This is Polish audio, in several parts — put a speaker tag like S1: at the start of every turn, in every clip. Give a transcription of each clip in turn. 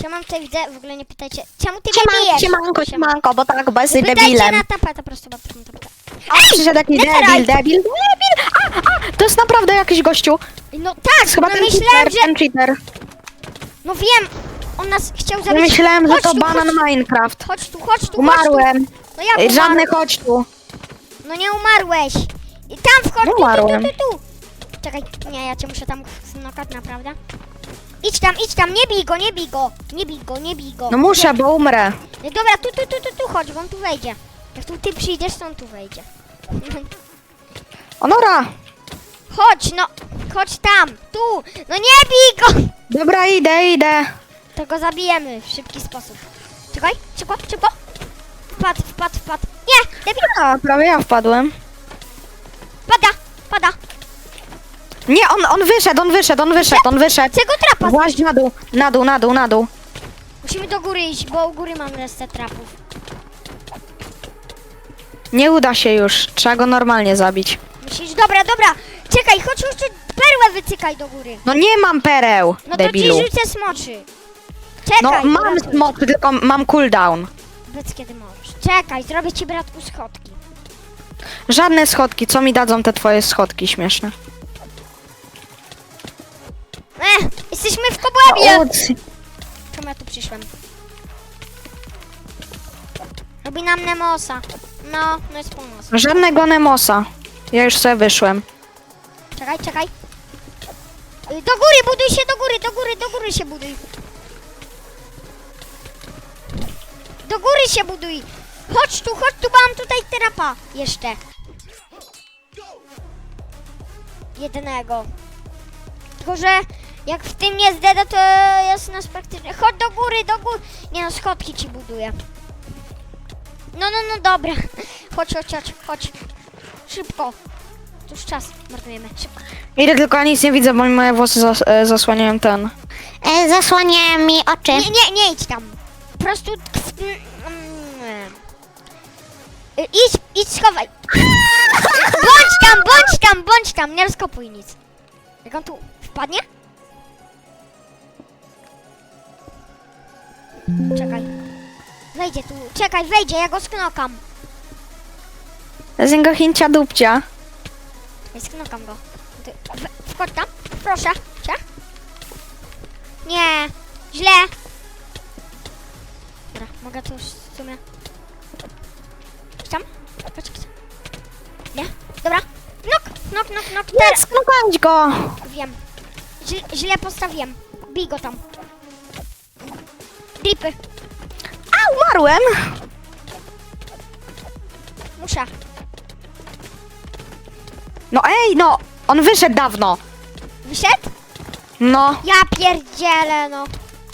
S1: Siema, tutaj widzę, w ogóle nie pytajcie, czemu ty mnie bijesz?
S2: Siemanko, bo tak, bo jesteś
S1: Pytajcie
S2: debilem.
S1: na tapetę, prosto tapetę.
S2: Przyszedł jakiś debil. To jest naprawdę jakiś gościu.
S1: No tak,
S2: Chyba
S1: no
S2: ten
S1: myślałem,
S2: cheater,
S1: że...
S2: ten cheater.
S1: No wiem, on nas chciał
S2: Ja
S1: zabić.
S2: myślałem, że
S1: Chodź
S2: to
S1: tu,
S2: banan
S1: chodź,
S2: Minecraft.
S1: chodź tu, chodź tu.
S2: Umarłem.
S1: No jak umarł?
S2: Żadny chodź tu.
S1: No nie umarłeś. I tam wchodź,
S2: Nie umarłem.
S1: tu. Czekaj, nie, ja cię muszę tam znokać, naprawdę. Idź tam, nie bij go.
S2: No muszę, bo umrę.
S1: No dobra, tu chodź, bo on tu wejdzie. Jak tu ty przyjdziesz, to on tu wejdzie.
S2: Onora.
S1: Chodź tam, tu. No nie bij go.
S2: Dobra, idę.
S1: To go zabijemy w szybki sposób. Czekaj, szybko. Wpadł. Nie, debil,
S2: A, prawie ja wpadłem.
S1: pada.
S2: Nie, on wyszedł.
S1: Czego trapa?
S2: Właź na dół.
S1: Musimy do góry iść, bo u góry mam resztę trapów.
S2: Nie uda się już, trzeba go normalnie zabić.
S1: Myślisz, dobra. Czekaj, chodź, perłę wycykaj do góry.
S2: No nie mam pereł,
S1: No
S2: debilu.
S1: to ci rzucę smoczy. Czekaj,
S2: No mam
S1: bratku.
S2: smoczy, tylko mam cooldown.
S1: Powiedz kiedy możesz. Czekaj, zrobię ci, bratku, schodki.
S2: Żadne schodki, co mi dadzą te twoje schodki śmieszne?
S1: Jesteśmy w kobłębie. Czemu ja tu przyszłem? Robi nam Nemosa. No jest po nas.
S2: Żadnego Nemosa. Ja już sobie wyszłem.
S1: Czekaj. Do góry, buduj się, do góry się buduj. Do góry się buduj. Chodź tu, bo mam tutaj trapa jeszcze. Jednego. Tylko, że jak w tym nie zdeda, to jest nas praktycznie... Chodź do góry. Nie no, schodki ci buduję. No, dobra. Chodź. Szybko. Tu już czas marnujemy, szybko.
S2: Idę, tylko ja nic nie widzę, bo mi moje włosy zasłaniają ten.
S3: Zasłania mi oczy.
S1: Nie idź tam. Po prostu... Idź, schowaj. Bądź tam, nie rozkopuj nic. Jak on tu wpadnie? Czekaj. Wejdzie tu, wejdzie, ja go sknokam.
S2: Z niego chincia dupcia.
S1: Sknokam go. Wchodź tam, proszę cię. Nie, źle. Dobra, mogę tu już w sumie... Tam? Chodź. Nie? Dobra. Nok.
S2: Nie, sknokać go.
S1: Wiem. Źle postawiłem. Bij go tam. Dripy.
S2: A, umarłem.
S1: Muszę.
S2: No ej, no. On wyszedł dawno.
S1: Wyszedł?
S2: No.
S1: Ja pierdzielę, no.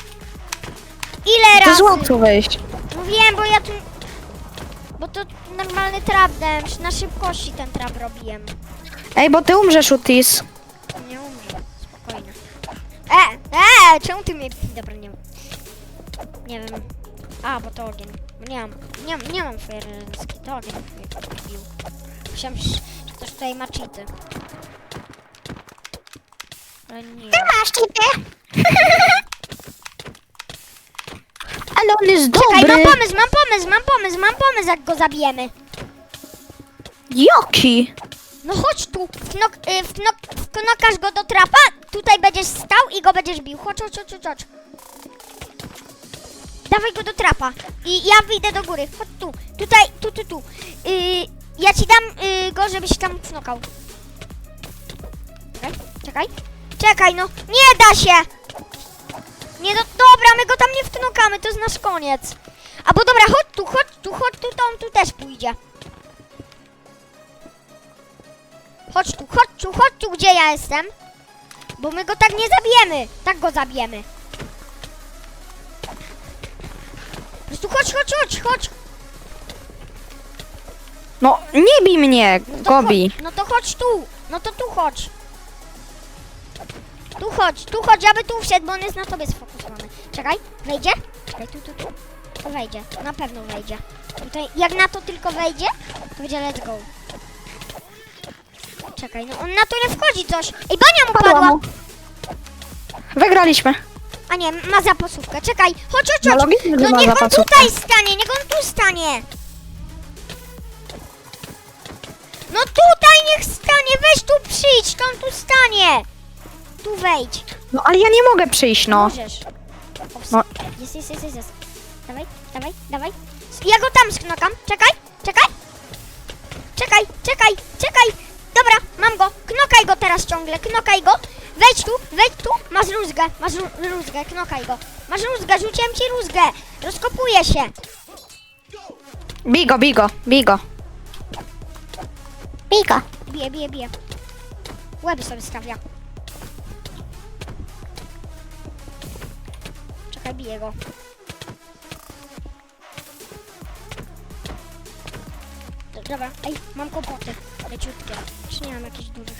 S1: Ile
S2: To
S1: razy?
S2: zło tu wyjść.
S1: No wiem, bo ja tu... Bo to normalny trap dałem. Na szybkości ten trap robiłem.
S2: Ej, bo ty umrzesz, Utis.
S1: Nie umrze. Spokojnie. Czemu ty mnie... Dobra, nie wiem. Nie wiem. A, bo to ogień. Bo nie mam fajerski. To ogień mnie bił. Myślałem, że ktoś tutaj ma cheaty. Ale nie.
S3: Masz cheaty.
S2: Ale on jest
S1: Czekaj,
S2: dobry.
S1: mam pomysł, jak go zabijemy.
S2: Jaki?
S1: No chodź tu, wknokasz go do trapa, tutaj będziesz stał i go będziesz bił. Chodź. Dawaj go do trapa i ja wyjdę do góry. Chodź tu, tutaj, tu. Ja ci dam go, żebyś tam knokał. Czekaj, no, nie da się. Nie, no dobra, my go tam nie wknokamy, to jest nasz koniec. Albo dobra, chodź tu, to on tu też pójdzie. Chodź tu, gdzie ja jestem. Bo my go tak nie zabijemy. Tak go zabijemy. Po prostu chodź.
S2: No, nie bij mnie,
S1: No to
S2: Gobi.
S1: No to chodź tu. No to tu chodź. Tu chodź, aby tu wszedł, bo on jest na tobie sfokusowany. Czekaj, wejdzie? Czekaj, tu. To wejdzie, na pewno wejdzie. Tutaj, jak na to tylko wejdzie, to będzie let's go. Czekaj, no on na to nie wchodzi coś. Ej, bania mu
S2: Padła
S1: padła.
S2: mu. Wygraliśmy.
S1: A nie, ma zapasówkę. Czekaj, chodź.
S2: No logicznie, że
S1: No
S2: ma
S1: niech on
S2: zapasówkę.
S1: tutaj stanie, niech on tu stanie. No tutaj niech stanie, weź tu przyjdź, to on tu stanie. Tu wejdź.
S2: No ale ja nie mogę przyjść, no.
S1: Możesz.
S2: No.
S1: Jest. Dawaj. Ja go tam sknokam. Czekaj. Dobra, mam go. Knokaj go teraz ciągle, knokaj go. Wejdź tu. Masz rózgę, knokaj go. Masz rózgę, rzuciłem ci rózgę. Rozkopuję się.
S2: Bij go.
S3: Bigo.
S1: Bije. Łeby sobie stawia. Czekaj, biję go. Dobra, ej, mam kłopoty. Leciutkie. Czy nie mam jakichś dużych?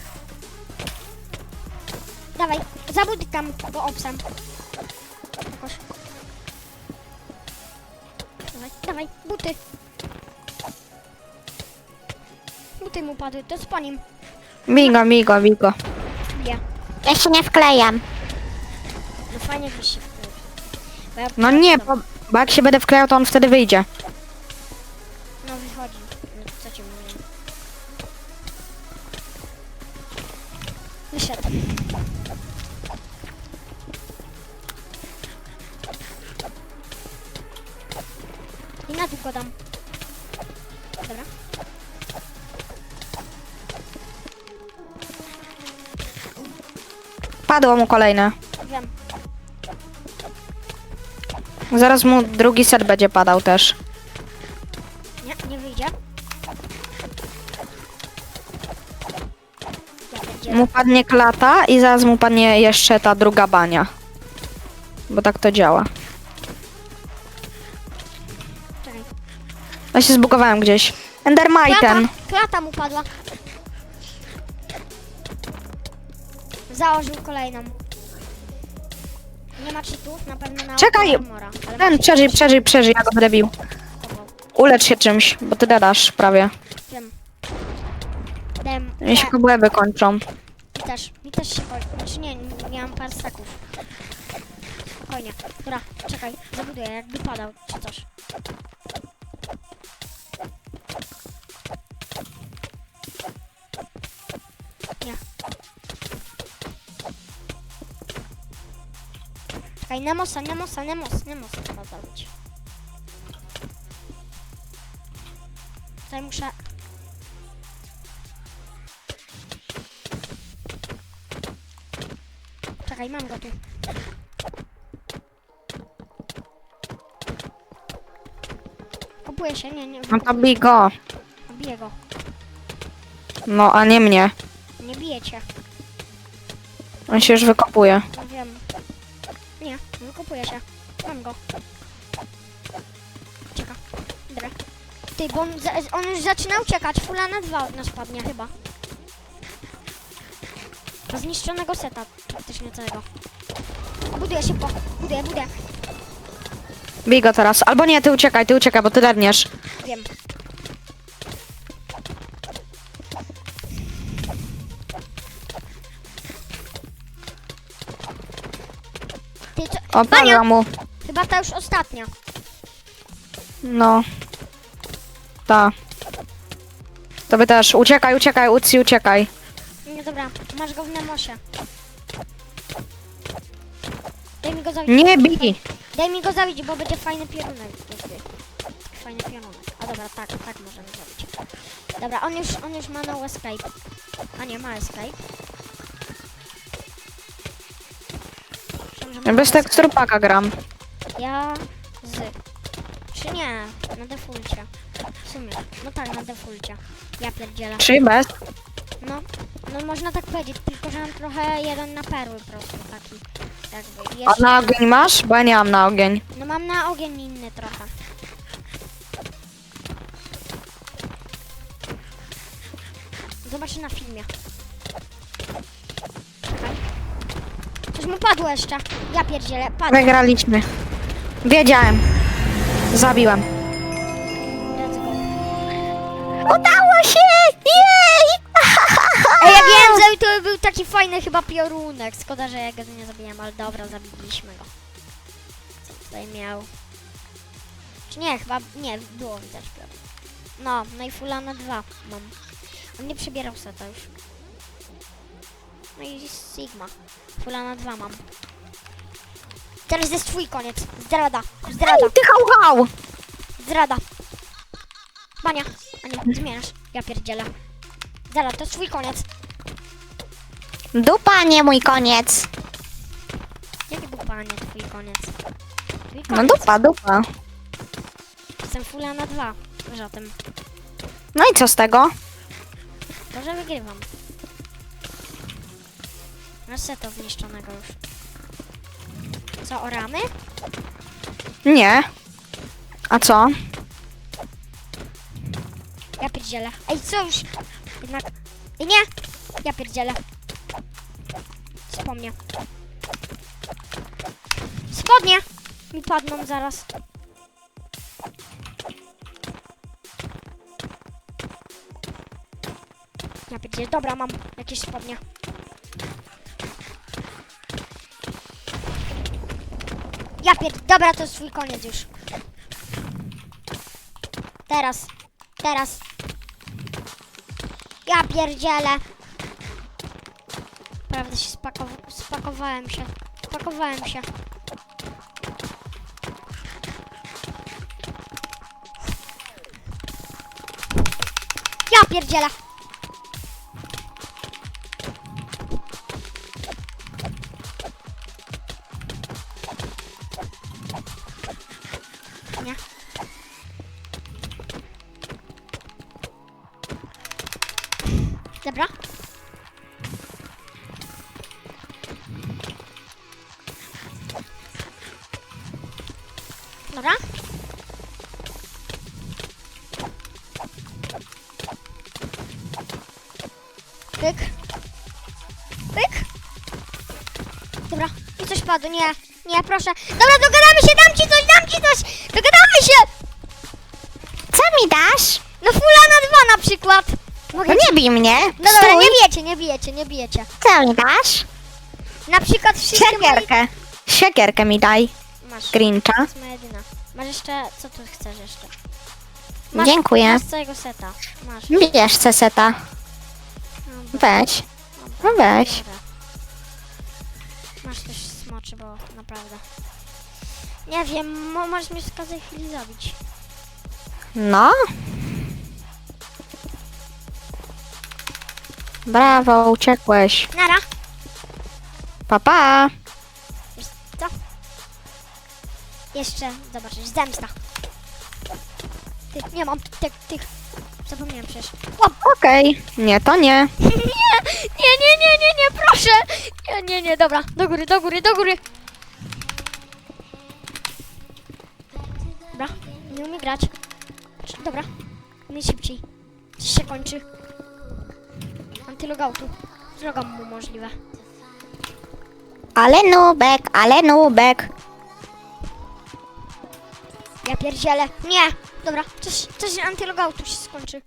S1: Dawaj, zabudykam go obsam. Jakoś. Dawaj, buty. Buty mu padły, to jest po nim.
S2: Bij go.
S1: Bije.
S3: Ja się nie wklejam.
S1: No fajnie byś się wkleił. Bo ja
S2: No nie, bo jak się będę wklejał, to on wtedy wyjdzie.
S1: No wychodzi. No, co ci mówię? Wyszedł. I na dół go dam. Dobra.
S2: Padło mu kolejne.
S1: Wiem.
S2: Zaraz mu drugi set będzie padał też.
S1: Nie wyjdzie. Ja pierdzielę.
S2: Mu padnie klata i zaraz mu padnie jeszcze ta druga bania. Bo tak to działa.
S1: Czekaj.
S2: Ja się zbugowałem gdzieś. Endermiten.
S1: Klata mu padła. Założył kolejną. Nie ma cheatów, na pewno na
S2: Czekaj!
S1: armora, ale
S2: Ten,
S1: ma
S2: przeżyj, ja go będę bił.
S1: cheatował.
S2: Ulecz się czymś, bo ty dadasz prawie.
S1: Wiem. Dem.
S2: Mi się kobłęby kończą.
S1: Mi też się kończy. Znaczy nie mam par staków. Spokojnie. Dobra, czekaj, zabuduję, jakby padał, czy coś. Nie. Czekaj, Nemosa trzeba zabić. Tutaj muszę... Czekaj, mam go tu. Kopuję się, nie,
S2: No to bij go.
S1: biję go.
S2: No, a nie mnie.
S1: Nie biję cię.
S2: On się już wykopuje.
S1: No wiem. Nie, wykopuję się. Mam go. Ucieka. Dobra. Ty, bo on już zaczyna uciekać. Fula na 2 od nas padnie chyba. Do zniszczonego seta praktycznie całego. Buduję szybko. Buduję.
S2: Bij go teraz. Albo nie, ty uciekaj, bo ty lerniesz.
S1: Wiem. Ty co?
S2: O, padła mu.
S1: Chyba ta już ostatnia.
S2: No. Ta. To by też. Uciekaj, Uci, uciekaj.
S1: Nie, dobra. Masz go w Nemosie. Daj mi go zabić.
S2: Nie bij.
S1: Daj mi go zabić, bo będzie fajny piorunek. Fajny piorunek. A dobra, tak możemy zrobić. Dobra, on już ma no escape. A nie, ma escape. Myślałem, że ma
S2: Ja bez
S1: escape.
S2: tekstur paka gram.
S1: Ja z. Czy nie? Na defaulcie. W sumie. No tak, na defaulcie. Ja pierdzielę.
S2: Czy bez?
S1: No można tak powiedzieć, tylko że mam trochę jeden na perły po prostu taki. Jakby.
S2: A na ogień masz? Bo ja nie mam na ogień.
S1: No mam na ogień inny trochę. Zobaczę na filmie. Czekaj. Coś mu padło jeszcze. Ja pierdzielę, padło.
S2: Wygraliśmy. Wiedziałem. Zabiłem.
S1: Let's go.
S3: Udało się! Jej!
S1: Ej, ja wiem, i to był taki fajny chyba piorunek. Szkoda, że ja go nie zabiłem, ale dobra, zabiliśmy go. Co tutaj miał? Czy nie, chyba nie, było widać piorun. No i fula na 2 mam. On nie przebierał seta już. No i Sigma. Fula na 2 mam. Teraz jest twój koniec. Zdrada. Zdrada.
S2: Ty hał!
S1: Zdrada. Bania. A nie, zmieniasz. Ja pierdzielę. Zdrada, to jest twój koniec.
S3: Dupa, nie mój koniec.
S1: Jaki był panie twój koniec? Twój
S2: No
S1: koniec.
S2: dupa.
S1: Jestem fula na 2. Wiesz o tym.
S2: No i co z tego?
S1: To, że wygrywam. Masz seta zniszczonego już. Co, oramy?
S2: Nie. A co?
S1: Ja pierdzielę. Ej, co już? Jednak... Ej, nie! Ja pierdzielę. Wspomnę. Spodnie! Mi padną zaraz. Ja pierdzielę. Dobra, mam jakieś spodnie. Ja Dobra, to jest twój koniec już. Teraz. Ja pierdzielę. Prawda się spakowałem się. Ja pierdzielę. Nie. Dobra. Dobra. Pyk. Dobra. I coś padło. Nie, proszę. Dobra, dogadamy się, dam ci coś. Dogadamy się.
S3: Co mi dasz?
S1: No fula na 2 na przykład. Mogę
S3: No
S1: ci...
S3: nie bij mnie.
S1: No dobra,
S3: Stój.
S1: nie bijecie.
S3: Co mi dasz?
S1: Na przykład wszystkie moje...
S2: Siekierkę mi daj.
S1: Masz.
S2: Grincha.
S1: To jest moja jedyna. Masz jeszcze... Co tu chcesz jeszcze?
S3: Dziękuję.
S1: Masz całego seta. Masz.
S3: Bierz ceseta.
S1: Dobra,
S3: Weź. No weź.
S1: dobra. Masz też smoczy, bo naprawdę. Nie wiem, możesz mnie w każdej chwili zabić.
S2: No. Brawo, uciekłeś.
S1: Nara.
S2: Pa.
S1: Wiesz co? Jeszcze zobaczysz. Zemsta. Nie mam tych. Zapomniałem przecież. Łap.
S2: Okej. Nie, to nie.
S1: Nie, proszę. Nie, dobra. Do góry. Dobra, nie umie grać. Dobra, nie szybciej. Dziś się kończy. Antylogoutu. Drogam mu możliwe.
S3: Ale nubek.
S1: Ja pierdzielę. Nie! Dobra, coś antylogoutu się skończy.